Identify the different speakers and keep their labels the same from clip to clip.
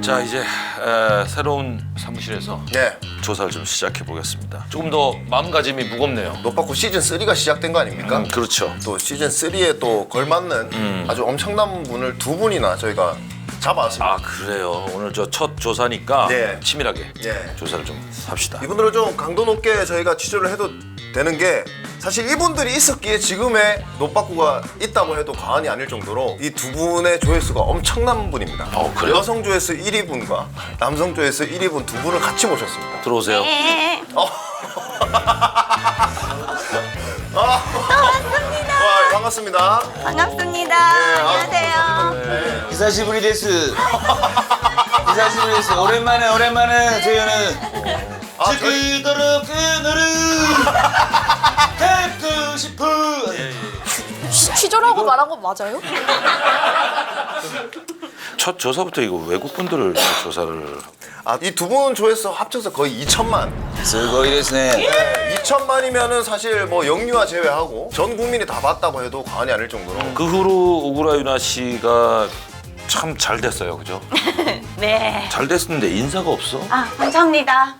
Speaker 1: 자 이제 새로운 사무실에서
Speaker 2: 네.
Speaker 1: 조사를 좀 시작해 보겠습니다. 조금 더 마음가짐이 무겁네요.
Speaker 2: 노빠꾸 시즌 3가 시작된 거 아닙니까?
Speaker 1: 그렇죠.
Speaker 2: 또 시즌 3에 또 걸맞는 아주 엄청난 분을 두 분이나 저희가 잡아왔습니다.
Speaker 1: 아 그래요. 오늘 저 첫 조사니까
Speaker 2: 네.
Speaker 1: 치밀하게
Speaker 2: 예.
Speaker 1: 조사를 좀 합시다.
Speaker 2: 이분들을 좀 강도 높게 저희가 취재를 해도 되는 게 사실 이분들이 있었기에 지금의 노빠꾸가 있다고 해도 과언이 아닐 정도로 이 두 분의 조회수가 엄청난 분입니다.
Speaker 1: 그래요?
Speaker 2: 여성 조회수 1위 분과 남성 조회수 1위 분 두 분을 같이 모셨습니다.
Speaker 1: 들어오세요.
Speaker 2: 와, 반갑습니다.
Speaker 3: 반갑습니다.
Speaker 2: 네,
Speaker 3: 안녕하세요.
Speaker 4: 히사시부리 데스. 히사시부리 데스. 오랜만에 저희는 지그도록 그너를 뵙고 싶어.
Speaker 3: 취조라고 말한 거 맞아요?
Speaker 1: 첫 조사부터 이거 외국 분들을 조사를.
Speaker 2: 이 두 분 조회수 합쳐서 거의 2천만.
Speaker 4: 스고이 데스네.
Speaker 2: 네, 2천만이면은 사실 뭐 영유아 제외하고 전 국민이 다 봤다고 해도 과언이 아닐 정도로.
Speaker 1: 그 후로 오구라 유나 씨가 참 잘 됐어요, 그죠?
Speaker 3: 네.
Speaker 1: 잘 됐는데 인사가 없어?
Speaker 3: 아, 감사합니다.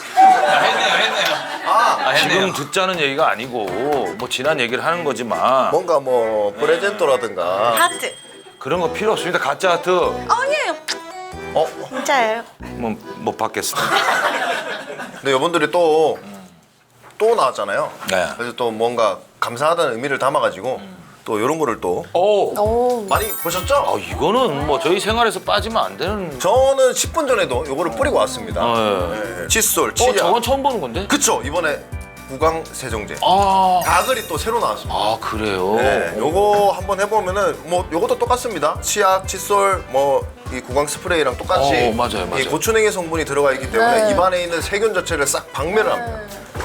Speaker 4: 했네요.
Speaker 1: 지금 듣자는 얘기가 아니고 뭐 지난 얘기를 하는 거지만
Speaker 2: 뭔가 뭐 프레젠토라든가.
Speaker 3: 하트.
Speaker 1: 그런 거 필요 없습니다. 가짜 하트
Speaker 3: 아니에요. 진짜예요.
Speaker 1: 뭐 못 받겠습니다.
Speaker 2: 근데 여러분들이 또 나왔잖아요.
Speaker 1: 네.
Speaker 2: 그래서 또 뭔가 감사하다는 의미를 담아가지고 또 이런 거를 또
Speaker 1: 오,
Speaker 2: 많이 보셨죠?
Speaker 1: 이거는 뭐 저희 생활에서 빠지면 안 되는.
Speaker 2: 저는 10분 전에도 이거를 뿌리고 왔습니다. 네. 칫솔, 치약.
Speaker 1: 저건 처음 보는 건데?
Speaker 2: 그쵸? 이번에 구강 세정제.
Speaker 1: 아,
Speaker 2: 가글이 또 새로 나왔습니다.
Speaker 1: 그래요.
Speaker 2: 네, 요거 한번 해보면은 뭐 요것도 똑같습니다. 치약, 칫솔, 뭐 이 구강 스프레이랑 똑같이
Speaker 1: 맞아요.
Speaker 2: 이 고추냉이 성분이 들어가 있기 때문에
Speaker 3: 네.
Speaker 2: 입안에 있는 세균 자체를 싹 박멸을 합니다.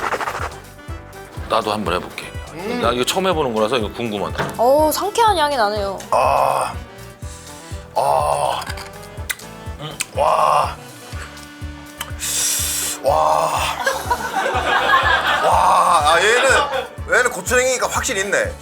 Speaker 1: 나도 한번 해볼게. 나 이거 처음 해보는 거라서 이거 궁금하다.
Speaker 3: 상쾌한 향이 나네요.
Speaker 2: 얘는 고추냉이가 확실히 있네.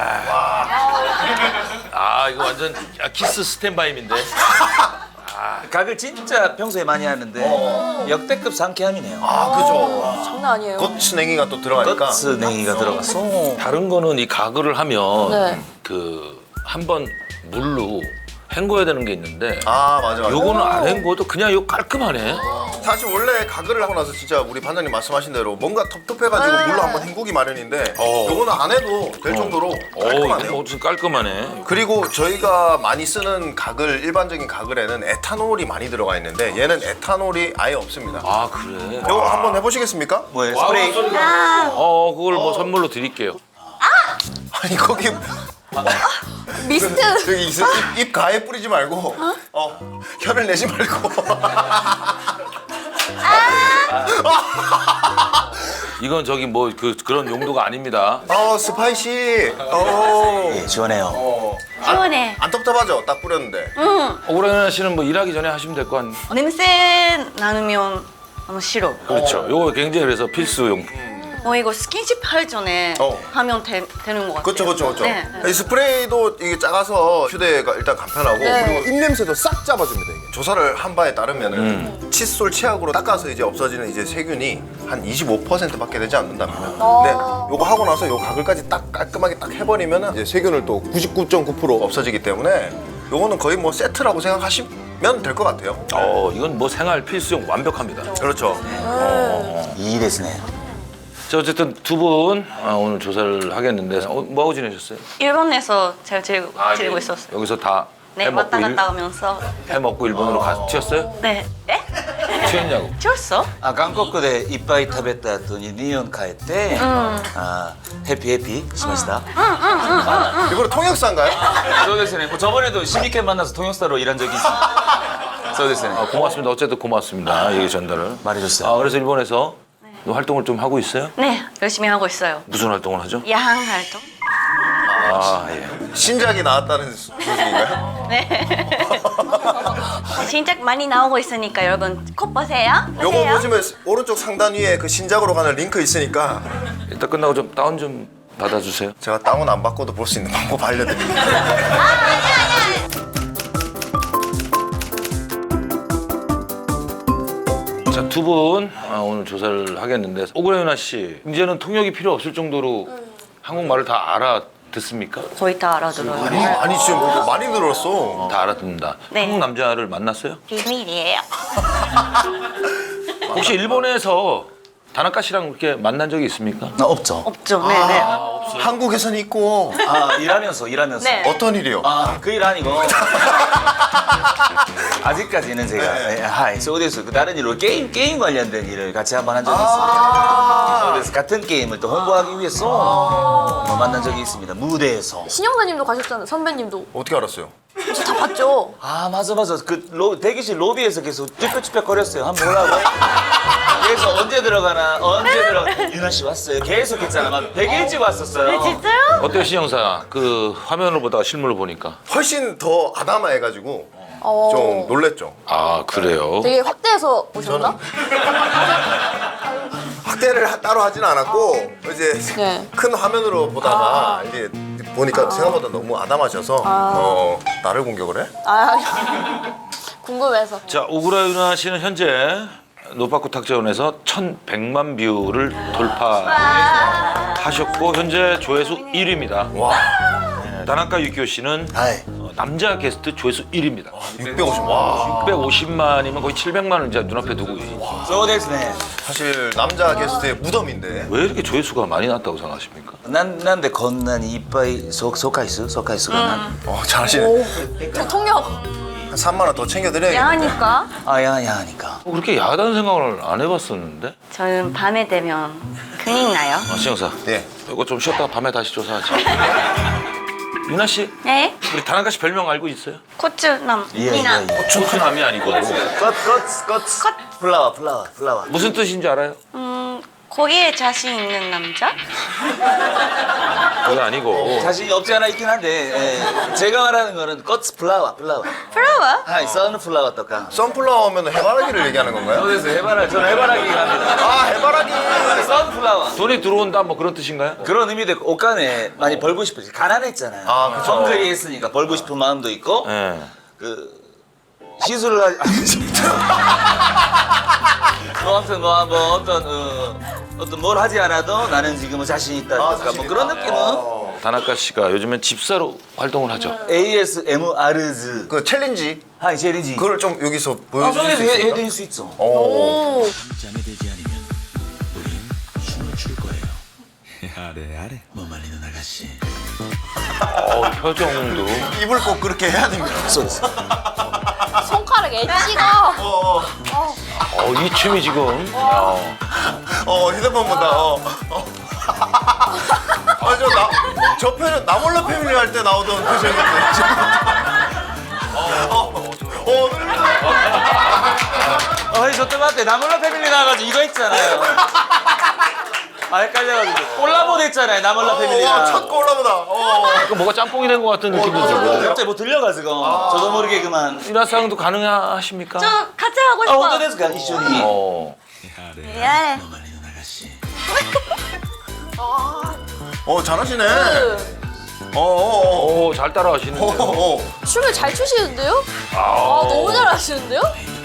Speaker 1: 이거 완전 키스 스탠바임인데.
Speaker 4: 각을 진짜 평소에 많이 하는데 역대급 상쾌함이네요.
Speaker 2: 그죠.
Speaker 3: 장난 아니에요.
Speaker 2: 고추냉이가 또 들어가니까.
Speaker 4: 겉스냉이가 들어갔어.
Speaker 1: 다른 거는 이 가글을 하면
Speaker 3: 네.
Speaker 1: 그 한 번 물로 헹궈야 되는 게 있는데
Speaker 2: 맞아.
Speaker 1: 요거는 안 헹궈도 그냥 이거 깔끔하네.
Speaker 2: 사실 원래 가글을 하고 나서 진짜 우리 반장님 말씀하신 대로 뭔가 텁텁해가지고 물로 한번 헹구기 마련인데 요거는 안 해도 될 정도로
Speaker 1: 이거
Speaker 2: 깔끔하네요.
Speaker 1: 뭐 무슨 깔끔하네.
Speaker 2: 그리고 저희가 많이 쓰는 가글, 일반적인 가글에는 에탄올이 많이 들어가 있는데 얘는 에탄올이 아예 없습니다.
Speaker 1: 그래.
Speaker 2: 이거 한번 해보시겠습니까?
Speaker 4: 뭐예요? 스프레이.
Speaker 1: 그걸 뭐 선물로 드릴게요.
Speaker 2: 아니 거기
Speaker 3: 미스트.
Speaker 2: 저기 입 가에 뿌리지 말고 혀를 내지 말고
Speaker 1: 이건 저기 뭐 그런 용도가 아닙니다.
Speaker 2: 스파이시
Speaker 4: 예, 시원해요.
Speaker 3: 시원해.
Speaker 2: 안 텁텁하죠? 딱 뿌렸는데
Speaker 1: 오라이나 씨는 뭐 일하기 전에 하시면 될 거 아니에요?
Speaker 3: 냄새 나누면 싫어.
Speaker 1: 그렇죠. 요거 굉장히 그래서 필수용품.
Speaker 3: 이거 스킨십 할 전에 하면 되는 것 같아요.
Speaker 2: 그렇죠.
Speaker 3: 네.
Speaker 2: 이 스프레이도 이게 작아서 휴대가 일단 간편하고
Speaker 3: 네.
Speaker 2: 그리고 입냄새도 싹 잡아줍니다. 이게. 조사를 한 바에 따르면은 칫솔 치약으로 닦아서 이제 없어지는 이제 세균이 한 25%밖에 되지 않는답니다. 근데 요거 하고 나서 요 가글까지 딱 깔끔하게 딱 해버리면은 이제 세균을 또 99.9% 없어지기 때문에 요거는 거의 뭐 세트라고 생각하시면 될 것 같아요.
Speaker 1: 이건 뭐 생활 필수용 완벽합니다.
Speaker 2: 그렇죠.
Speaker 4: 이 데스네.
Speaker 1: 자, 어쨌든 두 분 오늘 조사를 하겠는데 뭐 하고 지내셨어요?
Speaker 3: 일본에서 잘 지내고 있었어요.
Speaker 1: 여기서 다
Speaker 3: 네, 왔다 갔다 하면서.
Speaker 1: 해먹고 일본으로 튀었어요?
Speaker 3: 네. 에?
Speaker 1: 튀었냐고.
Speaker 3: 튀었어?
Speaker 4: 한국에 이빠이 食べた後に日本帰って해피しました.
Speaker 2: 이거는 통역사인가요?
Speaker 4: そうですね. 저번에도 12회 만나서 통역사로 일한 적이 있습니다. そうですね.
Speaker 1: 고맙습니다. 어쨌든 고맙습니다. 얘기 전달을.
Speaker 4: 말해줬어요.
Speaker 1: 그래서 일본에서 활동을 좀 하고 있어요?
Speaker 3: 네, 열심히 하고 있어요.
Speaker 1: 무슨 활동을 하죠?
Speaker 3: 야한 활동?
Speaker 1: 예.
Speaker 2: 신작이 나왔다는 소식인가요?
Speaker 3: 네. 신작 많이 나오고 있으니까 여러분 꼭 보세요.
Speaker 2: 요거 보시면 오른쪽 상단 위에 그 신작으로 가는 링크 있으니까
Speaker 1: 이따 끝나고 좀 다운 좀 받아주세요.
Speaker 2: 제가 다운 안 받고도 볼 수 있는 방법 알려드립니다.
Speaker 1: 두 분 오늘 조사를 하겠는데 오그라유나 씨 이제는 통역이 필요 없을 정도로 한국말을 다 알아듣습니까?
Speaker 3: 거의 다 알아들어요.
Speaker 2: 아니 지금 뭐 많이 늘었어.
Speaker 1: 다 알아듣는다.
Speaker 3: 네.
Speaker 1: 한국 남자를 만났어요?
Speaker 3: 비밀이에요.
Speaker 1: 혹시 일본에서 다나카 씨랑 그렇게 만난 적이 있습니까?
Speaker 4: 없죠.
Speaker 3: 없죠. 네네.
Speaker 2: 한국에서는 있고
Speaker 4: 일하면서.
Speaker 3: 네.
Speaker 2: 어떤 일이요?
Speaker 4: 그 일 아니고. 아직까지는 제가 하이 소데스 그 다른 일로 게임 관련된 일을 같이 한번 한 적이 있습니다. 그래서 같은 게임을 또 홍보하기 위해서 만난 적이 있습니다. 무대에서.
Speaker 5: 신영사님도 가셨잖아요. 선배님도.
Speaker 2: 어떻게 알았어요?
Speaker 5: 저 다 봤죠.
Speaker 4: 아 맞아. 그 대기실 로비에서 계속 쭈뼛쭈뼛 거렸어요. 한번 보려고. 그래서 언제 들어가나 유나 씨 왔어요. 계속 했잖아. 막 100일째 왔었어요.
Speaker 3: 진짜요?
Speaker 1: 어때요 신영사? 그 화면으로 보다가 실물로 보니까
Speaker 2: 훨씬 더 아담해가지고 좀 놀랬죠.
Speaker 1: 아 그래요?
Speaker 5: 되게 확대해서 오셨나?
Speaker 2: 확대를 따로 하진 않았고 이제
Speaker 5: 네.
Speaker 2: 큰 화면으로 보다가 이제 보니까 생각보다 너무 아담하셔서 나를 공격을 해?
Speaker 5: 궁금해서.
Speaker 1: 자 오그라유나 씨는 현재 노파쿠 탁재원에서 1,100만 뷰를 돌파하셨고 현재 조회수 1위입니다.
Speaker 2: 와,
Speaker 1: 다나카 유키오 씨는
Speaker 4: 하이.
Speaker 1: 남자 게스트 조회수 1위입니다.
Speaker 2: 650. 와,
Speaker 1: 650만이면 거의 700만을 이제 눈앞에 두고
Speaker 4: 소데스네.
Speaker 2: 사실 남자 게스트의 무덤인데.
Speaker 1: 왜 이렇게 조회수가 많이 났다고 생각하십니까?
Speaker 4: なんでこんなにいっぱい総回数がな
Speaker 2: 잘하시네.
Speaker 5: 저 통역.
Speaker 2: 한 3만 원 더 챙겨드려야겠네.
Speaker 3: 야하니까
Speaker 4: 야하니까.
Speaker 1: 그렇게 야하다는 생각을 안 해봤었는데?
Speaker 3: 저는 밤에 되면 근육 나요.
Speaker 1: 신영사
Speaker 2: 네.
Speaker 1: 이거 좀 쉬었다가 밤에 다시 조사하자. 유나 씨,
Speaker 3: 네?
Speaker 1: 우리 다나카 씨 별명 알고 있어요?
Speaker 3: 고추남.
Speaker 4: 예.
Speaker 3: 미나.
Speaker 1: 초크남이 아니고
Speaker 4: 꽃. 플라워.
Speaker 1: 무슨 뜻인지 알아요?
Speaker 3: 거기에 자신 있는 남자?
Speaker 1: 그게 아니고
Speaker 4: 자신이 없지 않아 있긴 한데 제가 말하는 거는 꽃 플라워.
Speaker 3: 플라워?
Speaker 4: 하이 선플라워 とか
Speaker 2: 선플라워면 해바라기를 얘기하는 건가요?
Speaker 4: 그래서 저는 해바라기 갑니다.
Speaker 2: 아, 해바라기.
Speaker 4: 선플라워.
Speaker 1: 돈이 들어온다 뭐 그런 뜻인가요?
Speaker 4: 그런 의미도 있고 옷간에 많이 벌고 싶어요. 가난했잖아요.
Speaker 2: 아, 그쵸.
Speaker 4: 헝그리 했으니까 벌고 싶은 마음도 있고
Speaker 1: 네.
Speaker 4: 그 시술을 하지 아무튼 뭐 어떤 뭘 하지 않아도 나는 지금은 자신 있다. 그러니까 뭐 그런 느낌은
Speaker 1: 다나카 씨가 요즘엔 집사로 활동을 하죠.
Speaker 4: ASMR즈
Speaker 2: 그 챌린지
Speaker 4: 하이 챌린지.
Speaker 2: 그걸 좀 여기서 보여주실 수 있을까?
Speaker 4: 해드릴 수 있죠.
Speaker 2: 오.
Speaker 6: 잠이 들지 않으면 우린 춤을 출 거예요. 아래 뭐 말리는 아가씨.
Speaker 1: 표정도
Speaker 2: 입을 꼭 그렇게 해야 됩니다.
Speaker 5: 손가락 엣지가.
Speaker 1: 이 춤이 지금
Speaker 2: 휴대폰 본다. 저 편은 나몰라 패밀리 할 때 나오던 표정인데.
Speaker 4: 저때 맞대 나몰라 패밀리 나와가지고 이거 했잖아요. 헷갈려가지고 콜라보 됐잖아요. 나몰라 패밀리랑.
Speaker 2: 첫 콜라보다.
Speaker 1: 뭐가 짬뽕이 된 것 같은 느낌도 들고.
Speaker 4: 갑자기 뭐 들려가지고 저도 모르게 그만.
Speaker 1: 유나상도 가능하십니까?
Speaker 3: 저 같이 하고 싶어.
Speaker 4: 어떤 데스까 이슈니.
Speaker 3: 예.
Speaker 6: 뭐 말리는 아가씨.
Speaker 2: 잘하시네.
Speaker 1: 잘 따라하시는데요.
Speaker 5: 춤을 잘 추시는데요? 너무 잘하시는데요?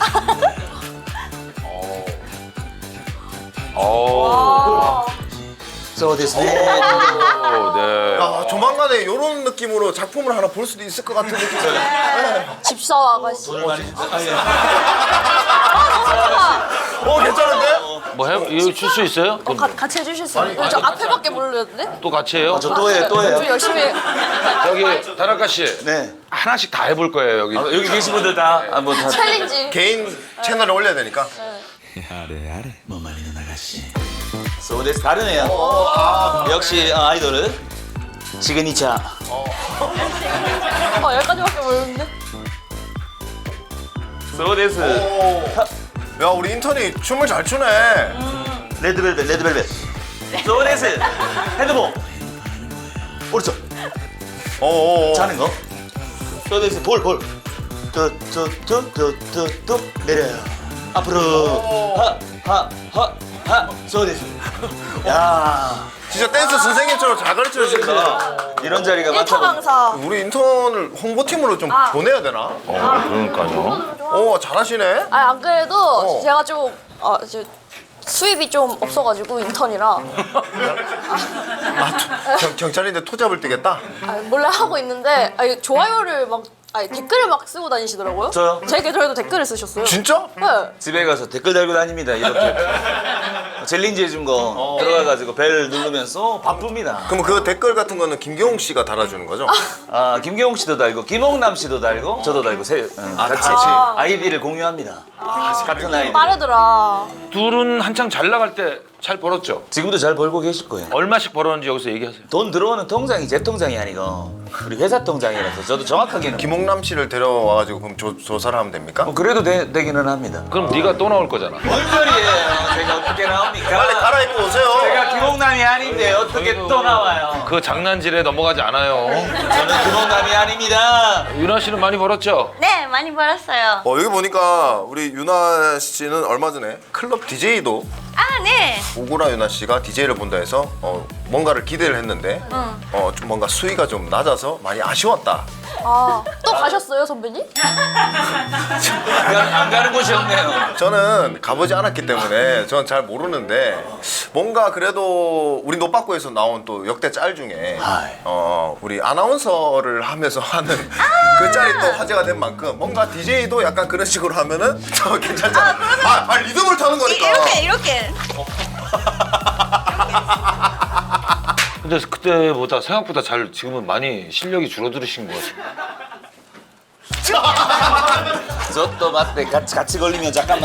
Speaker 4: 소데스네.
Speaker 1: 네.
Speaker 2: 조만간에 이런 느낌으로 작품을 하나 볼 수도 있을 것 같은 느낌이 들어요.
Speaker 5: 집사 아가씨.
Speaker 2: 괜찮은데?
Speaker 1: 뭐 이거 줄 수 있어요?
Speaker 5: 같이 해주실 수 있어요? 저 앞에밖에 모르는데?
Speaker 1: 또 같이 해요?
Speaker 4: 저 또 해요.
Speaker 5: 좀 열심히 해.
Speaker 1: 여기 다나카 씨
Speaker 4: 네.
Speaker 1: 하나씩 다 해볼 거예요 여기.
Speaker 4: 여기 계신 분들 다 한번 다.
Speaker 5: 챌린지.
Speaker 2: 개인 채널에 올려야 되니까.
Speaker 6: 아래 뭐 말리는 아가씨.
Speaker 4: 소데스 다르네요. 역시 아이돌은 시그니처.
Speaker 5: 여기까지밖에 모르는데?
Speaker 4: 소데스.
Speaker 2: 야, 우리 인턴이 춤을 잘 추네.
Speaker 4: 레드벨벳. 소데스. 핸드볼. 오른쪽. 자는 거. 소데스 볼. 툭툭툭툭툭 내려요. 앞으로. 하. 소데스. 야.
Speaker 2: 진짜 댄스 선생님처럼 잘 가르쳐 주신다.
Speaker 4: 이런 자리가
Speaker 5: 1차
Speaker 4: 많다고.
Speaker 5: 강사.
Speaker 2: 우리 인턴을 홍보팀으로 좀 보내야 되나?
Speaker 1: 그러니까요.
Speaker 2: 잘하시네.
Speaker 5: 안 그래도 제가 좀 이제 수입이 좀 없어가지고 인턴이라
Speaker 2: 경찰인데 토잡을 뛰겠다?
Speaker 5: 몰래 하고 있는데 좋아요를 막 댓글을 막 쓰고 다니시더라고요.
Speaker 4: 저요?
Speaker 5: 제 계정에도 댓글을 쓰셨어요.
Speaker 2: 진짜?
Speaker 5: 네.
Speaker 4: 집에 가서 댓글 달고 다닙니다. 이렇게 챌린지 해준 거 들어가가지고 벨 누르면서 바쁩니다.
Speaker 2: 그럼 그 댓글 같은 거는 김경욱 씨가 달아주는 거죠?
Speaker 4: 아 김경욱 씨도 달고 김홍남 씨도 달고 저도 달고 같이 아이디를 공유합니다. 같은 아이디.
Speaker 5: 빠르더라.
Speaker 1: 둘은 한창 잘 나갈 때 잘 벌었죠?
Speaker 4: 지금도 잘 벌고 계실 거예요.
Speaker 1: 얼마씩 벌었는지 여기서 얘기하세요.
Speaker 4: 돈 들어오는 통장이 제 통장이 아니고 우리 회사 통장이라서 저도 정확하게는
Speaker 2: 김홍남 씨를 데려와가지고 그럼 조사를 하면 됩니까?
Speaker 4: 그래도 되기는 합니다.
Speaker 1: 그럼 네가 또 나올 거잖아.
Speaker 4: 뭔 소리예요? 제가 어떻게 나옵니까?
Speaker 2: 빨리 갈아입고 오세요.
Speaker 4: 제가 김홍남이 아닌데 어떻게 또 나와요?
Speaker 1: 그 장난질에 넘어가지 않아요.
Speaker 4: 저는 김홍남이 아닙니다.
Speaker 1: 윤아 씨는 많이 벌었죠?
Speaker 3: 네, 많이 벌었어요.
Speaker 2: 여기 보니까 우리 유나 씨는 얼마 전에 클럽 DJ도
Speaker 3: 아, 네.
Speaker 2: 오구라 유나 씨가 DJ를 본다 해서 뭔가를 기대를 했는데 좀 뭔가 수위가 좀 낮아서 많이 아쉬웠다.
Speaker 5: 또 가셨어요, 선배님?
Speaker 4: 안 가는 곳이 없네요.
Speaker 2: 저는 가보지 않았기 때문에 저는 잘 모르는데 뭔가 그래도 우리 노빠꾸에서 나온 또 역대 짤 중에 우리 아나운서를 하면서 하는 그 짤이 또 화제가 된 만큼 뭔가 DJ도 약간 그런 식으로 하면은 저 괜찮잖아. 리듬을 타는 거니까.
Speaker 3: 이렇게.
Speaker 1: 근데 그때보다 생각보다 잘 지금은 많이 실력이 줄어들으신 것 같아요.
Speaker 4: 저 또 맞대 같이 걸리면 잠깐만.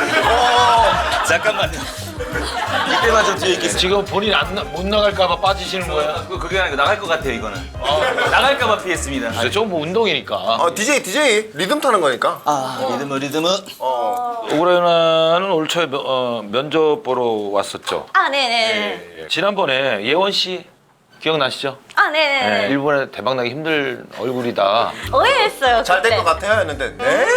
Speaker 4: 잠깐만요. 이때만 좀 뒤에 있겠어요.
Speaker 1: 지금 본인 못 나갈까봐 빠지시는 거예요?
Speaker 4: 그게 아니고 나갈 것 같아요 이거는. 나갈까봐 피했습니다.
Speaker 1: 글쎄, 저건 뭐 운동이니까.
Speaker 2: DJ 리듬 타는 거니까.
Speaker 4: 리듬은.
Speaker 1: 오구라 윤아는 올 초에 면접 보러 왔었죠.
Speaker 3: 아, 네네.
Speaker 1: 지난번에 예원 씨 기억나시죠?
Speaker 3: 아, 네네.
Speaker 1: 네, 일본에 대박나기 힘든 얼굴이다.
Speaker 3: 오해했어요.
Speaker 2: 잘 될
Speaker 3: 그때.
Speaker 2: 것 같아요 했는데 네?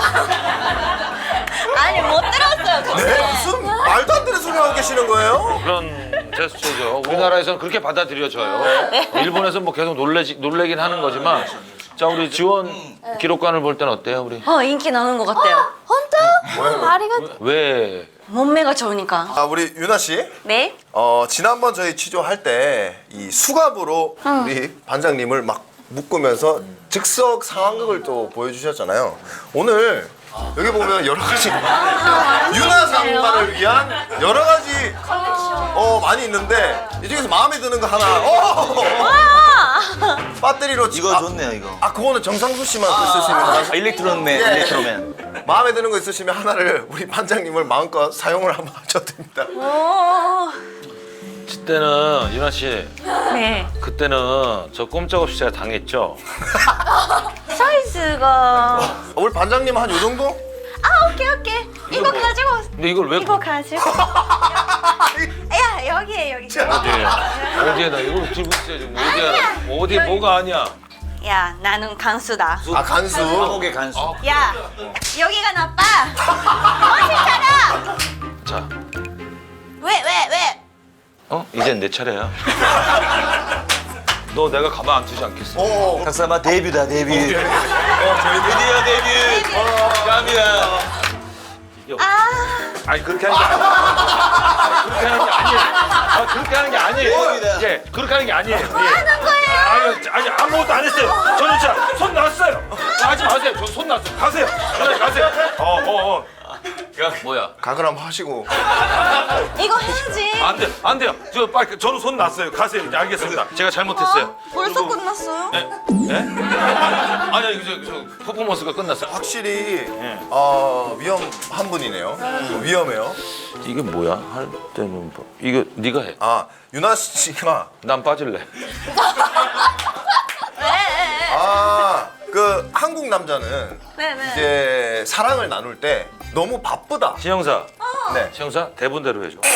Speaker 3: 아니, 못 들었어요. 그때.
Speaker 2: 네? 무슨 말도 안 되는 소리 하고 계시는 거예요?
Speaker 1: 그런 제스처죠. 우리나라에서는 그렇게 받아들여져요. 일본에서 뭐 계속 놀래긴 하는 거지만, 자 우리 지원 기록관을 볼 때는 어때요, 우리?
Speaker 3: 인기 나는 것 같아요.
Speaker 5: 혼자? 아리가
Speaker 1: 왜?
Speaker 3: 몸매가 좋으니까.
Speaker 2: 우리 유나 씨.
Speaker 3: 네?
Speaker 2: 지난번 저희 취조할 때 이 수갑으로 우리 반장님을 막 묶으면서 즉석 상황극을 또 보여주셨잖아요. 오늘 여기 보면 여러 가지 유나 상관을 위한 여러 가지 많이 있는데 이 중에서 마음에 드는 거 하나 배터리로
Speaker 4: 이거 좋네요 이거.
Speaker 2: 그거는 정상수 씨만 쓸 수 있는 거라서
Speaker 4: 일렉트론맨.
Speaker 2: 예.
Speaker 4: 일렉트로맨.
Speaker 2: 마음에 드는 거 있으시면 하나를 우리 반장님을 마음껏 사용을 한번 하셔도 됩니다.
Speaker 3: 오.
Speaker 1: 그때는 유나 씨,
Speaker 3: 네.
Speaker 1: 그때는 저 꼼짝없이 제가 당했죠.
Speaker 3: 사이즈가.
Speaker 2: 우리 반장님 한 요 정도?
Speaker 3: 오케이. 이거 가지고.
Speaker 1: 근데 이걸 왜
Speaker 3: 이거 가지고. 야, 여기에.
Speaker 1: 어디에 나 이걸 들고 있어야 지금 어디에 뭐가 아니야?
Speaker 3: 야, 나는 간수다.
Speaker 2: 간수.
Speaker 4: 한국의 간수.
Speaker 3: 야, 여기가 나빠. 정신 차려.
Speaker 1: 자,
Speaker 3: 왜?
Speaker 1: 이젠 내 차례야. 너 내가 가만 안 두지 않겠어.
Speaker 4: 박사마 데뷔다 데뷔. 드디어 데뷔. 감사합니다.
Speaker 1: 아니 그렇게 하는 게 아니에요. 그렇게 하는 게 아니에요. 예, 그렇게 하는 게 아니에요. 뭐
Speaker 3: 하는 거예요?
Speaker 1: 아니 아무것도 안 했어요. 저는 진짜 손 놨어요. 하지 마세요. 저 손 놨어요. 가세요. 가세요. 뭐야?
Speaker 2: 각을 한번 하시고.
Speaker 3: 이거 해야지.
Speaker 1: 안 돼요. 저 빨리 저는 손 놨어요. 가세요. 이제 알겠습니다. 제가 잘못했어요.
Speaker 3: 벌써 끝났어요?
Speaker 1: 예? 아니 저 퍼포먼스가 끝났어요.
Speaker 2: 확실히 위험한 분이네요. 위험해요.
Speaker 1: 이게 뭐야? 할 때는 뭐 이거 네가 해.
Speaker 2: 유나 씨가
Speaker 1: 난 빠질래.
Speaker 3: 왜?
Speaker 2: 그 한국 남자는
Speaker 3: 네네.
Speaker 2: 이제 사랑을 나눌 때 너무 바쁘다.
Speaker 1: 신영사.
Speaker 2: 네.
Speaker 1: 신영사 대본대로 해줘.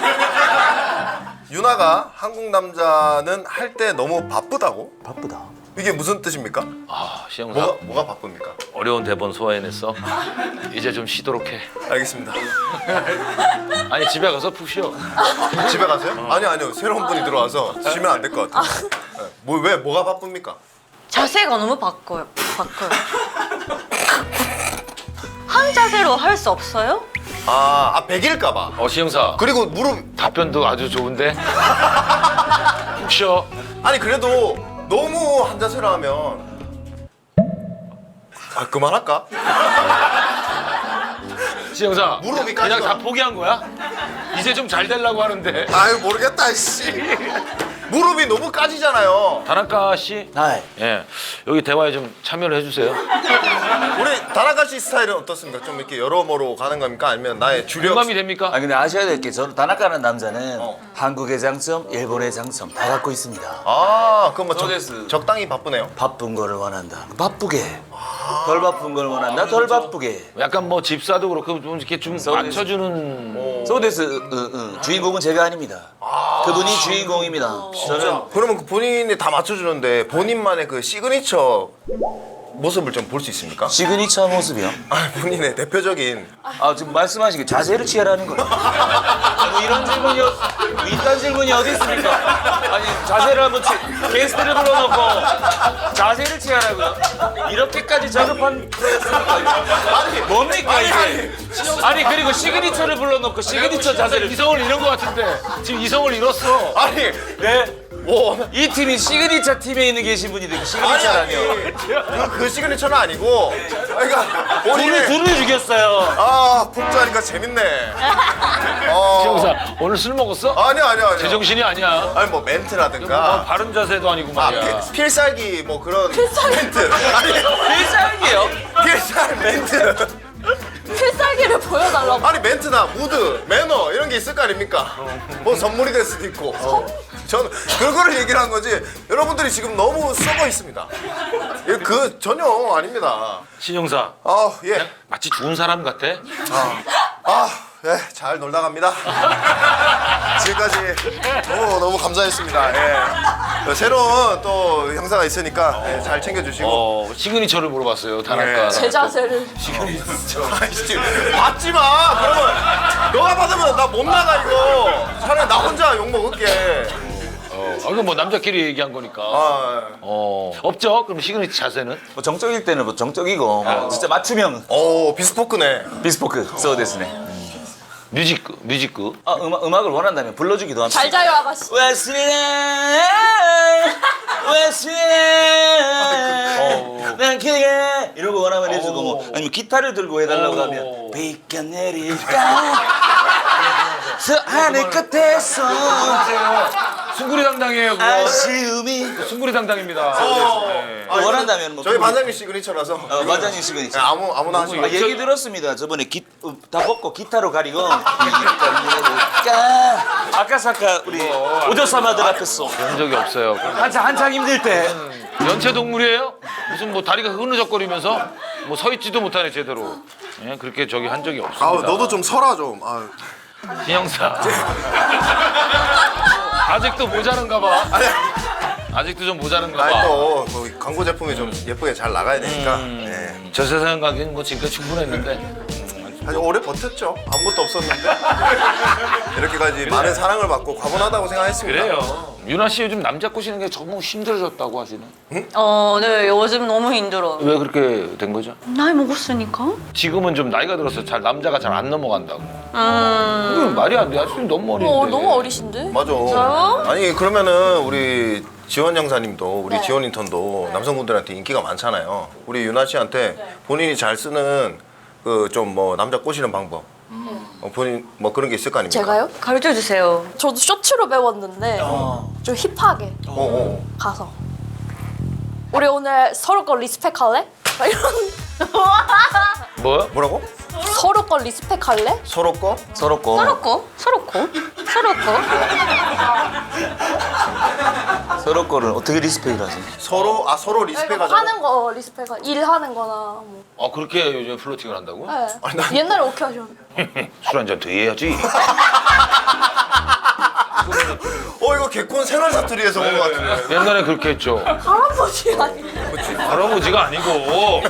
Speaker 2: 유나가 한국 남자는 할 때 너무 바쁘다고?
Speaker 4: 바쁘다.
Speaker 2: 이게 무슨 뜻입니까?
Speaker 1: 신영사.
Speaker 2: 뭐가 바쁩니까?
Speaker 1: 어려운 대본 소화해냈어. 이제 좀 쉬도록 해.
Speaker 2: 알겠습니다.
Speaker 1: 아니 집에 가서 푹 쉬어.
Speaker 2: 집에 가세요? 아니요. 새로운 분이 들어와서 쉬면 안 될 것 같아요. 네. 뭐가 바쁩니까?
Speaker 3: 자세가 너무 바꿔요. 한 자세로 할 수 없어요?
Speaker 2: 아, 100일까봐.
Speaker 1: 시영사.
Speaker 2: 그리고 무릎
Speaker 1: 답변도 아주 좋은데. 푹 쉬어.
Speaker 2: 아니 그래도 너무 한 자세로 하면 그만할까?
Speaker 1: 시영사.
Speaker 2: 무릎이
Speaker 1: 그냥
Speaker 2: 까지가-
Speaker 1: 다 포기한 거야? 이제 좀 잘 되려고 하는데.
Speaker 2: 아유 모르겠다 씨. 무릎이 너무 까지잖아요.
Speaker 1: 다나카 씨.
Speaker 4: 하이.
Speaker 1: 예. 여기 대화에 좀 참여를 해주세요.
Speaker 2: 우리 다나카 씨 스타일은 어떻습니까? 좀 이렇게 여러모로 가는 겁니까? 아니면 나의 주력?
Speaker 1: 공감이 됩니까?
Speaker 4: 아 근데 아셔야 될 게 저는 다나카라는 남자는 한국의 장점, 일본의 장점 다 갖고 있습니다.
Speaker 2: 아 그럼 뭐
Speaker 4: 소데스.
Speaker 2: 적당히 바쁘네요.
Speaker 4: 바쁜 거를 원한다. 바쁘게. 덜 바쁜 걸 원한다. 덜 바쁘게.
Speaker 1: 약간 뭐 집사도 그렇고 좀 이렇게 좀 맞춰주는.
Speaker 4: 소데스 주인공은 제가 아닙니다. 그분이 주인공입니다. 저는
Speaker 2: 그러면 그 본인이 다 맞춰주는데 본인만의 그 시그니처 모습을 좀 볼 수 있습니까?
Speaker 4: 시그니처 모습이요.
Speaker 2: 아 본인의 대표적인
Speaker 4: 아 지금 말씀하신 게 자세를 취하라는 거예요. 뭐 이런 질문이 이딴 질문이 어디 있습니까? 아니 자세를 한번 게스트를 불러놓고 자세를 취하라고요? 이렇게까지 저급한 프로였습니까?
Speaker 2: 아니
Speaker 4: 뭡니까 이게? 아니 그리고 시그니처를 불러놓고 시그니처 자세를
Speaker 1: 이성을 잃은 것 같은데 지금 이성을 잃었어.
Speaker 2: 아니
Speaker 4: 네?
Speaker 2: 뭐
Speaker 4: 이 팀이 시그니처 팀에 있는 계신 분이 되게 시그니처라뇨.
Speaker 2: 그 시그니처는 아니고 그러니까 본인의
Speaker 4: 둘을 죽였어요.
Speaker 2: 아 폭주하니까 재밌네.
Speaker 1: 시영사 오늘 술 먹었어?
Speaker 2: 아니야.
Speaker 1: 제정신이 아니야.
Speaker 2: 아니 뭐
Speaker 1: 뭐
Speaker 2: 멘트라든가
Speaker 1: 바른 자세도 아니고
Speaker 2: 아
Speaker 1: 말이야.
Speaker 2: 필살기 뭐 그런 멘트 아니
Speaker 4: 필살기예요?
Speaker 2: 필살 멘트
Speaker 5: 필살기를 보여달라고.
Speaker 2: 아니 멘트나 무드 매너 이런 게 있을 거 아닙니까? 뭐 선물이 될 수도 있고 저는 그거를 얘기를 한 거지 여러분들이 지금 너무 썩어 있습니다. 그 전혀 아닙니다.
Speaker 1: 신영사
Speaker 2: 예.
Speaker 1: 마치 좋은 사람 같아.
Speaker 2: 예, 잘 놀다 갑니다. 지금까지 너무 감사했습니다. 예. 새로운 또 형사가 있으니까 예, 잘 챙겨주시고.
Speaker 1: 시그니처를 물어봤어요. 다나카.
Speaker 2: 네.
Speaker 5: 제 자세를.
Speaker 2: 아이씨, 받지 마. 그러면 너가 받으면 나 못 나가 이거. 차라리 나 혼자 욕 먹을게.
Speaker 1: 이건 뭐 남자끼리 얘기한 거니까. 없죠? 그럼 시그니처 자세는?
Speaker 4: 뭐 정적일 때는 뭐 정적이고 뭐 진짜 맞춤형
Speaker 2: 오, 비스포크네.
Speaker 4: 비스포크 소데스네.
Speaker 1: 뮤직그.
Speaker 4: 아 음악을 원한다면 불러주기도 합니다.
Speaker 5: 잘 자요 아가씨.
Speaker 4: 웨슬리나 난 그게 이러고 원하면 해주고 뭐 아니면 기타를 들고 해달라고 하면 비가 내릴까 저 하늘 끝에서
Speaker 1: 숭구리 당당이에요. 그거.
Speaker 4: 아쉬움이
Speaker 1: 숭구리 당당입니다. 네.
Speaker 4: 원한다면 뭐
Speaker 2: 저희 반장님 시그니처라서.
Speaker 4: 반장님 시그니처.
Speaker 2: 네, 아무나 하지 마.
Speaker 4: 얘기 들었습니다. 저번에 다 벗고 기타로 가리고 아까사카 우리 오조사마들 앞에서
Speaker 1: 그런 적이 없어요.
Speaker 4: 한창 힘들 때
Speaker 1: 연체 동물이에요? 무슨 뭐 다리가 흐느적거리면서 뭐 서 있지도 못하네 제대로. 예, 그렇게 저기 한 적이 없습니다.
Speaker 2: 너도 좀 서라 좀.
Speaker 1: 신영사. 아직도 모자른가 봐. 아직도 좀 모자른가
Speaker 2: 아니
Speaker 1: 봐.
Speaker 2: 또 광고 제품이 좀 예쁘게 잘 나가야 되니까. 예.
Speaker 1: 저 세상 가기는 뭐 지금까지 충분했는데.
Speaker 2: 사실 오래 버텼죠. 아무것도 없었는데 이렇게까지 많은 사랑을 받고 과분하다고 생각했습니다.
Speaker 1: 그래요. 유나 씨 요즘 남자 꼬시는 게 너무 힘들어졌다고 하시네.
Speaker 3: 네, 요즘 너무 힘들어.
Speaker 1: 왜 그렇게 된 거죠?
Speaker 3: 나이 먹었으니까.
Speaker 1: 지금은 좀 나이가 들어서 잘 남자가 잘 안 넘어간다고. 이건 말이 안 돼. 아직도 너무 어린데.
Speaker 5: 너무 어리신데?
Speaker 2: 맞아.
Speaker 5: 진짜요?
Speaker 2: 아니 그러면은 우리 지원 형사님도 우리
Speaker 5: 네.
Speaker 2: 지원 인턴도 남성분들한테 인기가 많잖아요. 우리 유나 씨한테 본인이 잘 쓰는 그 좀 뭐 남자 꼬시는 방법. 본인 뭐 그런 게 있을 거 아닙니까?
Speaker 5: 제가요?
Speaker 3: 가르쳐 주세요.
Speaker 5: 저도 쇼츠로 배웠는데 좀 힙하게 가서 우리 오늘 서로 거 리스펙할래? 막 이런
Speaker 1: 뭐야?
Speaker 2: 뭐라고?
Speaker 5: 서로 거 리스펙할래?
Speaker 2: 서로 거?
Speaker 4: 서로 거
Speaker 3: 서로 거.
Speaker 4: 서로 거를 어떻게 리스펙을 하세요?
Speaker 2: 서로 리스펙하자.
Speaker 5: 하는 거 리스펙 일하는 거나 뭐.
Speaker 1: 그렇게 요즘 플로팅을 한다고?
Speaker 5: 네.
Speaker 2: 아니, 난-
Speaker 5: 옛날에 오케이 하셨는데
Speaker 1: 술 한 잔 더 해야지.
Speaker 2: 이거 개콘 생활 사투리에서 온 것 같은데.
Speaker 1: 옛날에 그렇게 했죠.
Speaker 5: 할아버지 아니
Speaker 1: 할아버지가 아니고.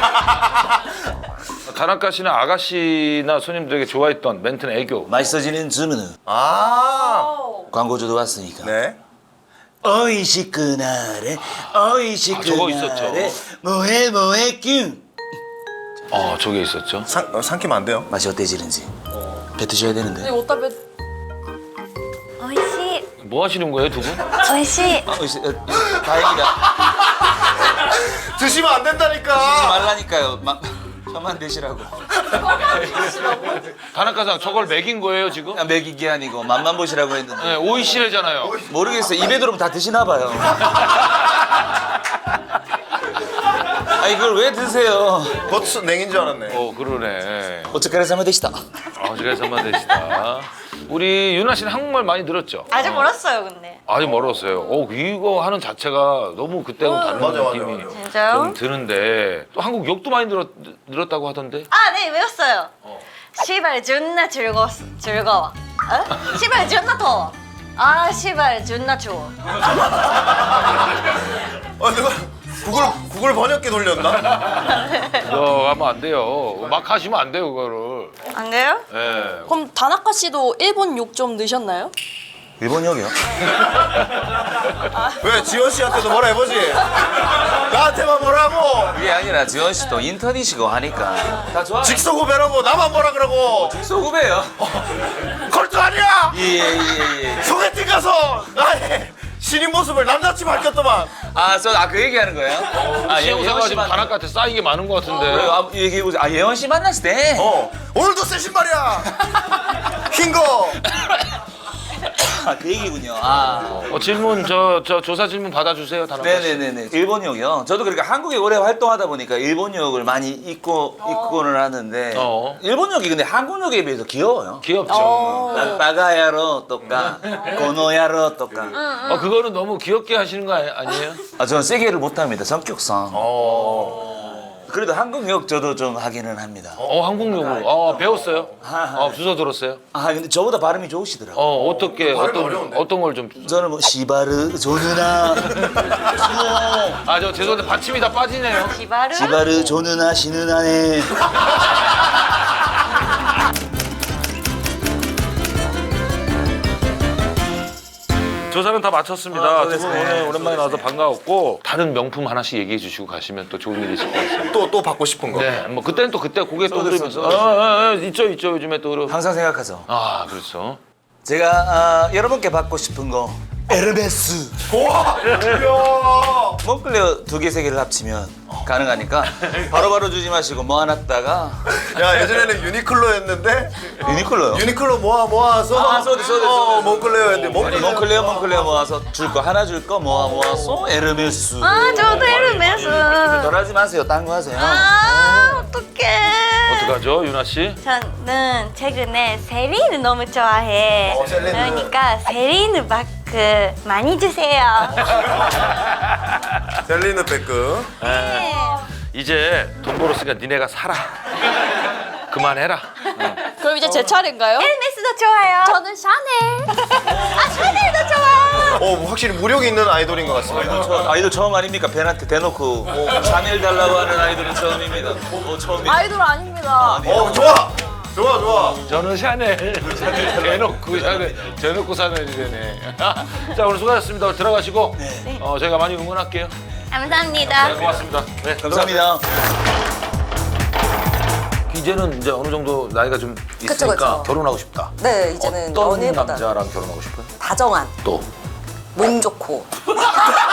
Speaker 1: 다나카 씨나 아가씨나 손님들에게 좋아했던 멘트는 애교.
Speaker 4: 맛있어지는 주문은 광고주도 왔으니까
Speaker 2: 네.
Speaker 4: 어이시끄나래
Speaker 1: 저거
Speaker 4: 어이시끄나래
Speaker 1: 있었죠.
Speaker 4: 뭐해 뀨
Speaker 1: 저게 있었죠.
Speaker 2: 삼키면 안 돼요.
Speaker 4: 맛이 어때지는지 뱉으셔야 되는데.
Speaker 5: 이거 어디다 뱉...
Speaker 3: 美味しい
Speaker 1: 뭐 하시는 거예요, 두 분?
Speaker 3: 美味しい
Speaker 4: 다행이다.
Speaker 2: 드시면 안
Speaker 4: 하지
Speaker 2: 된다니까.
Speaker 4: 말라니까요. 저만 드시라고.
Speaker 1: 다나카상 저걸 먹인 거예요, 지금?
Speaker 4: 그냥 먹이기 아니고 맛만 보시라고 했는데.
Speaker 1: 네, 오이시래잖아요.
Speaker 4: 모르겠어요. 입에 들어오면 다 드시나 봐요. 아니 이걸 왜 드세요?
Speaker 2: 버츠 냉인 줄 알았네.
Speaker 1: 그러네.
Speaker 4: 어쩌까리 사마데시다.
Speaker 1: 어지간히만 되시다. 우리 유나 씨는 한국말 많이 늘었죠?
Speaker 3: 아직 멀었어요 근데
Speaker 1: 아직 멀었어요. 이거 하는 자체가 너무 그때하고 다른
Speaker 2: 맞아, 맞아,
Speaker 1: 느낌이
Speaker 2: 맞아.
Speaker 3: 진짜요?
Speaker 1: 좀 드는데 또 한국 욕도 많이 늘었다고 하던데?
Speaker 3: 아 네 외웠어요 시발 존나 즐거워 어? 시발 존나 더워 아 시발 존나 추워
Speaker 2: 누가 구글 번역기 돌렸나?
Speaker 1: 그거 하면 안 돼요. 막 하시면 안 돼요, 그거를.
Speaker 3: 안 돼요?
Speaker 1: 예.
Speaker 5: 그럼 다나카 씨도 일본 욕 좀 넣으셨나요?
Speaker 4: 일본 역이요?
Speaker 2: 왜 지원 씨한테도 뭐라 해보지? 나한테만 뭐라고?
Speaker 4: 그게 아니라 지원 씨도 인턴이시고 하니까 다 좋아.
Speaker 2: 직소고배라고 나만 뭐라 그러고
Speaker 4: 소구배요.
Speaker 2: 걸도 아니야!
Speaker 4: 예.
Speaker 2: 소개팅 가서 나의 신인 모습을 남자치 밝혔더만.
Speaker 4: 그 얘기하는 거예요?
Speaker 1: 시험사가 지금 다나카한테 쌓인 게 많은 것 같은데.
Speaker 4: 얘기해 보자. 예원 씨 만났을 때.
Speaker 2: 오늘도 새 신발이야. 흰거.
Speaker 4: 그 얘기군요.
Speaker 1: 질문 저 조사 질문 받아주세요, 다나카 씨.
Speaker 4: 네네네네. 일본역이요. 저도 그러니까 한국에 오래 활동하다 보니까 일본역을 많이 입고는 하는데 일본역이 근데 한국역에 비해서 귀여워요.
Speaker 1: 귀엽죠.
Speaker 4: 빠가야로 또까 고노야로 또까.
Speaker 1: 그거는 너무 귀엽게 하시는 거 아니에요?
Speaker 4: 저는 세게를 못합니다. 성격상. 그래도 한국역 저도 좀 하기는 합니다.
Speaker 1: 한국용으로. 배웠어요? 주워 들었어요?
Speaker 4: 근데 저보다 발음이 좋으시더라고요.
Speaker 1: 어떻게 어떤 걸 좀.
Speaker 4: 저는 뭐 시바르 조누나
Speaker 1: 저 죄송한데 받침이 다 빠지네요.
Speaker 3: 기바르?
Speaker 4: 시바르 조누나 시누나네.
Speaker 1: 조사는 다 마쳤습니다. 두 분
Speaker 4: 수고하셨습니다.
Speaker 1: 오늘 오랜만에 나와서 반가웠고 다른 명품 하나씩 얘기해 주시고 가시면 또 좋은 일이 있을 것 같습니다.
Speaker 2: 또 받고 싶은 거.
Speaker 1: 네, 뭐 그때는 또 그때 고개 떠들면서 있죠 요즘에 또
Speaker 4: 항상 생각하죠.
Speaker 1: 그렇죠.
Speaker 4: 제가 여러분께 받고 싶은 거 에르메스.
Speaker 2: 우와! 이야!
Speaker 4: 몽클레어 2개, 3개를 합치면 가능하니까 바로바로 주지 마시고 모아놨다가
Speaker 2: 야, 예전에는 유니클로였는데
Speaker 4: 유니클로요.
Speaker 2: 유니클로 모아서
Speaker 4: 소디.
Speaker 2: 몽클레어였는데
Speaker 4: 몽클레어 모아서 줄 거 하나 줄 거 모아서 에르메스.
Speaker 3: 저도 에르메스
Speaker 4: 덜하지 마세요. 딴 거 하세요.
Speaker 3: 어떡해
Speaker 1: 어떡하죠, 유나 씨?
Speaker 3: 저는 최근에 세리느 너무 좋아해
Speaker 2: 셀리느.
Speaker 3: 그러니까 세리느 바크 많이 주세요
Speaker 2: 셀리느 백금.
Speaker 1: 이제 돈 벌었으니까 니네가 살아. 그만해라.
Speaker 5: 그럼 이제 제 차례인가요?
Speaker 3: 에르메스도 좋아요
Speaker 5: 저는 샤넬.
Speaker 3: 샤넬도 좋아
Speaker 2: 확실히 무력이 있는 아이돌인 것 같습니다.
Speaker 4: 저 아이돌 처음 아닙니까? 벤한테 대놓고 샤넬 달라고 하는 아이돌은 처음입니다. 처음이에요.
Speaker 5: 아이돌 아닙니다.
Speaker 2: 좋아.
Speaker 1: 저는 샤넬. 대놓고 샤넬이네. 자, 오늘 수고하셨습니다. 들어가시고 저희가 많이 응원할게요.
Speaker 3: 감사합니다
Speaker 1: 고맙습니다. 네,
Speaker 4: 감사합니다.
Speaker 1: 이제는 이제 어느 정도 나이가 좀 있으니까
Speaker 7: 그쵸.
Speaker 1: 결혼하고 싶다.
Speaker 7: 네, 이제는
Speaker 1: 어떤
Speaker 7: 연애보다
Speaker 1: 남자랑 결혼하고 싶어요?
Speaker 7: 다정한,
Speaker 1: 또
Speaker 7: 몸 좋고